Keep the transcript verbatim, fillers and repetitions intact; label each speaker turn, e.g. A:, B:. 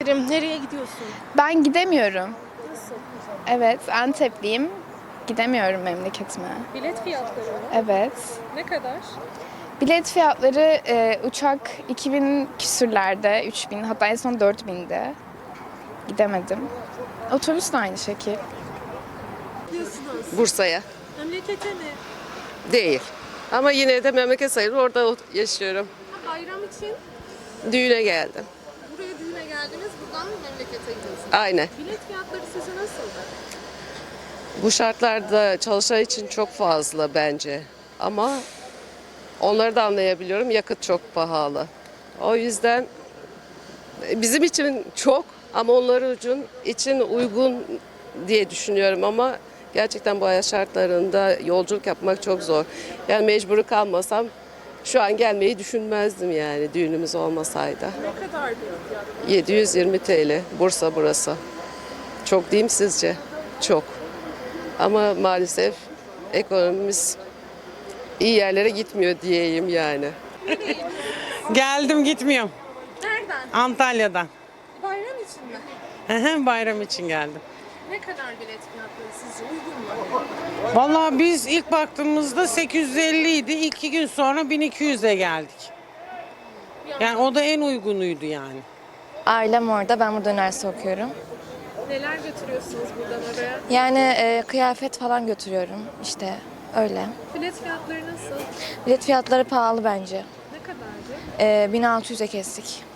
A: ederim. Nereye gidiyorsun?
B: Ben gidemiyorum.
A: Nasıl?
B: Evet, Antepliyim. Gidemiyorum memleketime.
A: Bilet fiyatları mı?
B: Evet.
A: Ne kadar?
B: Bilet fiyatları e, uçak iki bin küsürlerde, üç bin, hatta en son dört binde. Gidemedim. Otobüs de aynı şekil.
A: Gidiyorsunuz.
C: Bursa'ya.
A: Memlekete mi?
C: Değil. Ama yine de memleket sayılır. Orada yaşıyorum.
A: Ha, bayram için
C: Düğüne geldim.
A: buraya düğüne geldiniz. Buradan mı memlekete gidiyorsunuz?
C: Aynen.
A: Bilet fiyatları sizce nasıldı?
C: Bu şartlarda çalışan için çok fazla bence. Ama onları da anlayabiliyorum. Yakıt çok pahalı. O yüzden bizim için çok ama onlar için, için uygun diye düşünüyorum ama gerçekten bu hayat şartlarında yolculuk yapmak çok zor. Yani mecbur kalmasam şu an gelmeyi düşünmezdim yani düğünümüz olmasaydı.
A: Ne kadar bir fiyat?
C: yedi yüz yirmi T L Bursa burası. Çok değil mi sizce? Çok. Ama maalesef ekonomimiz iyi yerlere gitmiyor diyeyim yani.
D: Geldim gitmiyorum.
A: Nereden?
D: Antalya'dan.
A: Bayram için mi?
D: Hı hı, Bayram için geldim.
A: Ne kadar bilet fiyatları sizce uygun mu?
D: Vallahi biz ilk baktığımızda sekiz yüz elli idi. İki gün sonra bin iki yüze geldik. Yani o da en uygunuydu yani.
E: Ailem orada, ben burada üniversite okuyorum.
A: Neler götürüyorsunuz buradan oraya?
E: Yani e, kıyafet falan götürüyorum işte öyle.
A: Bilet fiyatları nasıl?
E: Bilet fiyatları pahalı bence.
A: Ne kadardı?
E: E, bin altı yüze kestik.